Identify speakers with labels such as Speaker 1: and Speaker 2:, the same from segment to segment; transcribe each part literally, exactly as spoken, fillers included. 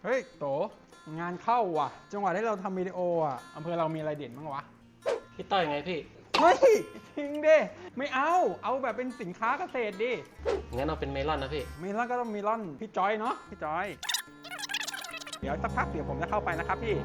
Speaker 1: เฮ้ยโตงานเข้าว่ะจังหวะที่เราทำวิดีโออ่ะอำเภอเรามีอะไรเด่นบ้างวะ
Speaker 2: พี่ต้อยไงพี่
Speaker 1: เฮ้ยจริงดิไม่เอาเอาแบบเป็นสินค้าเกษตรดิ
Speaker 2: งั้นเอาเป็นเมลอนนะพี่
Speaker 1: เมลอนก็ต้องเมลอนพี่จอยเนาะพี่จอยเดี๋ยวสักพักเดี๋ยวผมจะเข้าไปนะครับพี่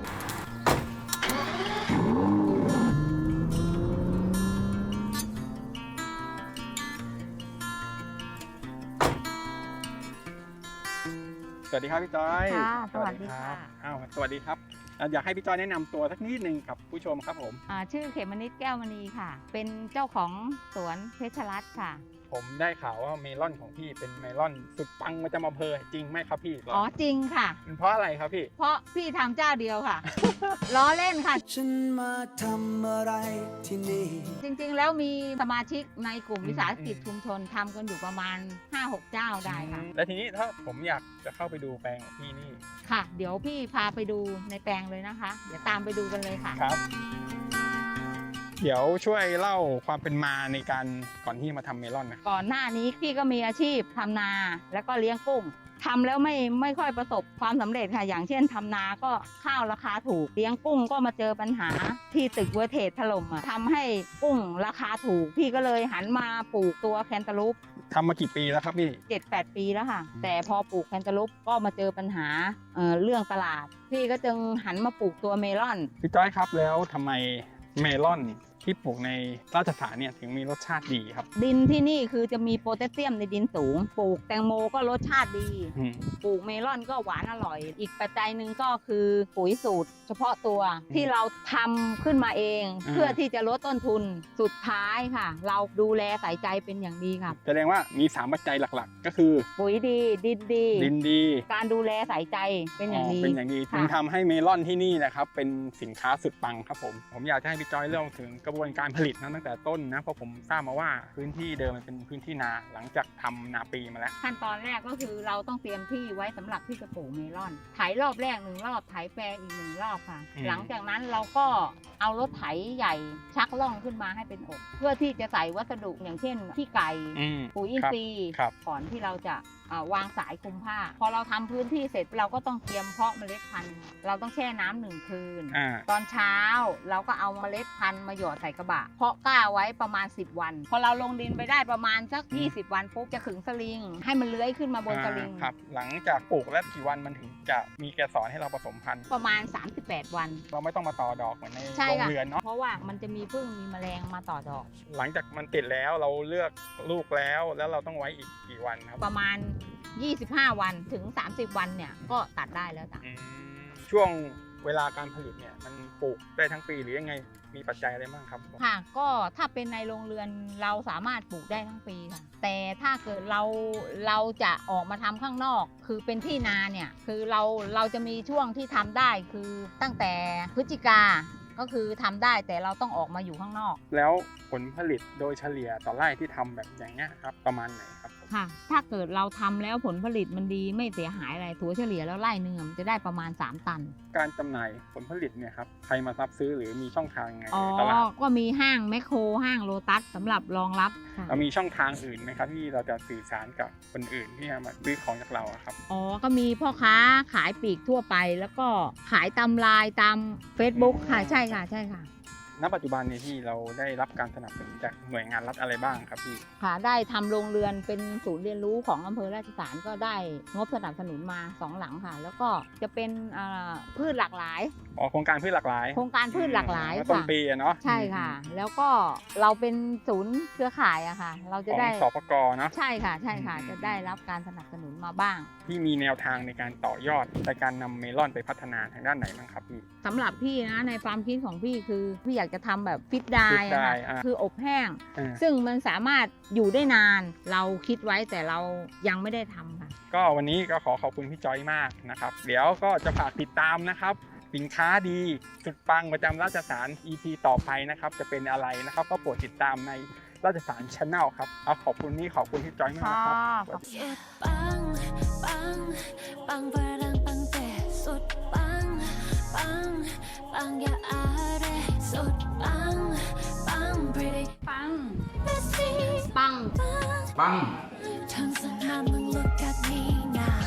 Speaker 1: สวัสดีครับพี่จอย
Speaker 3: ค่ะสวัสดีค่ะ
Speaker 1: อ้าวสวัสดีครับอยากให้พี่จอยแนะนำตัวสักนิดนึงกับผู้ชมครับผม
Speaker 3: ชื่อเขมนิดแก้วมณีค่ะเป็นเจ้าของสวนเพชรรัตน์ค่ะ
Speaker 1: ผมได้ข่าวว่าเมลอนของพี่เป็นเมลอนสุดปังประจำอำเภอจริงไหมครับพี่
Speaker 3: อ๋อจริงค่ะ
Speaker 1: เป็นเพราะอะไรครับพี่
Speaker 3: เพราะพี่ทำเจ้าเดียวค่ะ ล้อเล่นค่ะ
Speaker 4: ฉันมาทำอะไรที่นี่
Speaker 3: จริงๆแล้วมีสมาชิกในกลุ่มวิสาหกิจชุมชนทำกันอยู่ประมาณ ห้าหก เจ้าได้ค่ะ
Speaker 1: แล้วทีนี้ถ้าผมอยากจะเข้าไปดูแปลงของพี่นี่
Speaker 3: ค่ะเดี๋ยวพี่พาไปดูในแปลงเลยนะคะเดี๋ยวตามไปดูกันเลยค่ะ
Speaker 1: ครับเดี๋ยวช่วยเล่าความเป็นมาในการก่อนที่มาทำเมลอนนะ
Speaker 3: ก่อนหน้านี้พี่ก็มีอาชีพทำนาแล้วก็เลี้ยงกุ้งทำแล้วไม่ไม่ค่อยประสบความสำเร็จค่ะอย่างเช่นทำนาก็ข้าวราคาถูกเลี้ยงกุ้งก็มาเจอปัญหาที่ตึกเวอร์เทจถล่มอ่ะทำให้กุ้งราคาถูกพี่ก็เลยหันมาปลูกตัวแคนตาลูป
Speaker 1: ทำมากี่ปีแล้วครับพี่
Speaker 3: เจ็ดแปดปีแล้วค่ะแต่พอปลูกแคนตาลูปก็มาเจอปัญหา เอ่อ เรื่องตลาดพี่ก็จึงหันมาปลูกตัวเมลอน
Speaker 1: พี่จ้อยครับแล้วทำไมเมลอนที่ปลูกในราชสารเนี่ยถึงมีรสชาติดีครับ
Speaker 3: ดินที่นี่คือจะมีโพแทสเซียมในดินสูงปลูกแตงโมก็รสชาติดีปลูกเมลอนก็หวานอร่อยอีกปัจจัยหนึ่งก็คือปุ๋ยสูตรเฉพาะตัวที่เราทำขึ้นมาเองเพื่อที่จะลดต้นทุนสุดท้ายค่ะเราดูแลใส่ใจเป็นอย่างดีค่ะ
Speaker 1: แสดงว่ามีสามปัจจัยหลักๆก็คือ
Speaker 3: ปุ๋ยดีดินดี
Speaker 1: ดินดี
Speaker 3: การดูแลใส่ใจเป็นอย่างดี
Speaker 1: เป็นอย่างดีจึงทำให้เมลอนที่นี่นะครับเป็นสินค้าสุดปังครับผมผมอยากจะให้พี่จ้อยเล่าถึงกระบวนการผลิตนะตั้งแต่ต้นนะเพราะผมทราบมาว่าพื้นที่เดิมมันเป็นพื้นที่นาหลังจากทำนาปีมาแล้ว
Speaker 3: ขั้นตอนแรกก็คือเราต้องเตรียมที่ไว้สำหรับที่จะปลูกเมลอนไถรอบแรกหนึ่งรอบไถแปรอีกหนึ่งรอบค่ะหลังจากนั้นเราก็เอารถไถใหญ่ชักล่องขึ้นมาให้เป็นอกเพื่อที่จะใส่วัสดุอย่างเช่นขี้ไก่ปุ๋ยอินทรีย์ก่อนที่เราจะวางสายคลุมผ้าพอเราทำพื้นที่เสร็จเราก็ต้องเตรียมเพาะเมล็ดพันธุ์เราต้องแช่น้ำหนึ่งคืนตอนเช้าเราก็เอาเมล็ดพันธุ์มาหยอดใส่กระบะเพาะกล้าไว้ประมาณสิบวันพอเราลงดินไปได้ประมาณสักยี่สิบวันปุ๊บจะขึงสลิงให้มันเลื้อยขึ้นมาบนสลิง
Speaker 1: ครับหลังจากปลูกแล้วกี่วันมันถึงจะมีเกสรให้เราผสมพันธุ์
Speaker 3: ประมาณสามสิบแปดวัน
Speaker 1: เราไม่ต้องมาต่อดอกเหมือนในโรงเรือนเนาะ
Speaker 3: เพราะว่ามันจะมีผึ้งมีแมลงมาต่อดอก
Speaker 1: หลังจากมันติดแล้วเราเลือกลูกแล้วแล้วเราต้องไว้อีกกี่วันครับ
Speaker 3: ประมาณยี่สิบห้าวันถึงสามสิบวันเนี่ยก็ตัดได้แล้วจ้ะ
Speaker 1: ช่วงเวลาการผลิตเนี่ยมันปลูกได้ทั้งปีหรือยังไงมีปัจจัยอะไรบ้างครับ
Speaker 3: ค่ะก็ถ้าเป็นในโรงเรือนเราสามารถปลูกได้ทั้งปีค่ะแต่ถ้าเกิดเราเราจะออกมาทำข้างนอกคือเป็นที่นาเนี่ยคือเราเราจะมีช่วงที่ทำได้คือตั้งแต่พฤศจิกาก็คือทำได้แต่เราต้องออกมาอยู่ข้างนอก
Speaker 1: แล้วผลผลิตโดยเฉลี่ยต่อไร่ที่ทำแบบอย่างเงี้ยครับประมาณไหนครับ
Speaker 3: ค่ะถ้าเกิดเราทำแล้วผลผลิตมันดีไม่เสียหายอะไรถัวเฉลี่ยแล้วไร่หนึ่งมันจะได้ประมาณสามตัน
Speaker 1: การจำหน่ายผลผลิตเนี่ยครับใครมารับซื้อหรือมีช่องทางไง
Speaker 3: ตลาดก็มีห้างแมคโครห้างโลตัสสำหรับรองรับ
Speaker 1: เรามีช่องทางอื่นไหมครับที่เราจะสื่อสารกับคนอื่นที่มาซื้อของจากเราครับ
Speaker 3: อ๋อก็มีพ่อค้าขายปลีกทั่วไปแล้วก็ขายตามไลน์ตาม Facebook ค่ะใช่ค่ะใช่ค่ะ
Speaker 1: ณปัจจุบันนี้ที่เราได้รับการสนับสนุนจากหน่วยงานรัฐอะไรบ้างครับพี่
Speaker 3: ค่ะได้ทำโรงเรือนเป็นศูนย์เรียนรู้ของอำเภอราชสารก็ได้งบสนับสนุนมาสองหลังค่ะแล้วก็จะเป็นพืชหลากหลาย
Speaker 1: อ๋อโครงการพืชหลากหลาย
Speaker 3: โครงการพืชหลากหลาย
Speaker 1: ต้นปีเนาะ
Speaker 3: ใช่ค่ะแล้วก็เราเป็นศูนย์เครือข่ายอะค่ะเราจะได้
Speaker 1: สปก.เนาะ
Speaker 3: ใช่ค่ะใช่ค่ะจะได้รับการสนับสนุนมาบ้าง
Speaker 1: พี่มีแนวทางในการต่อยอดในการนำเมลอนไปพัฒนาทางด้านไหนบ้างครับพี่
Speaker 3: สำหรับพี่นะในความคิดของพี่คือพี่อยากจะทำแบบฟิตไดร์คืออบแห้งซึ่งมันสามารถอยู่ได้นานเราคิดไว้แต่เรายังไม่ได้ทำค่ะ
Speaker 1: ก็วันนี้ก็ขอขอบคุณพี่จอยมากนะครับเดี๋ยวก็จะฝากติดตามนะครับสินค้าดีสุดปังประจำราชสาร อี พี ต่อไปนะครับจะเป็นอะไรนะครับก็โปรดติดตามในราชสาร Channel ครับเอาขอบคุณนี่ขอบคุณพี่จอยมากครับ
Speaker 4: ปังปังปังพลังปังแต่สุดปังปังปังอย่าอะไรสุดปังปัง pretty
Speaker 3: ปังปังปัง
Speaker 4: ทั้งสนามมึง look at me now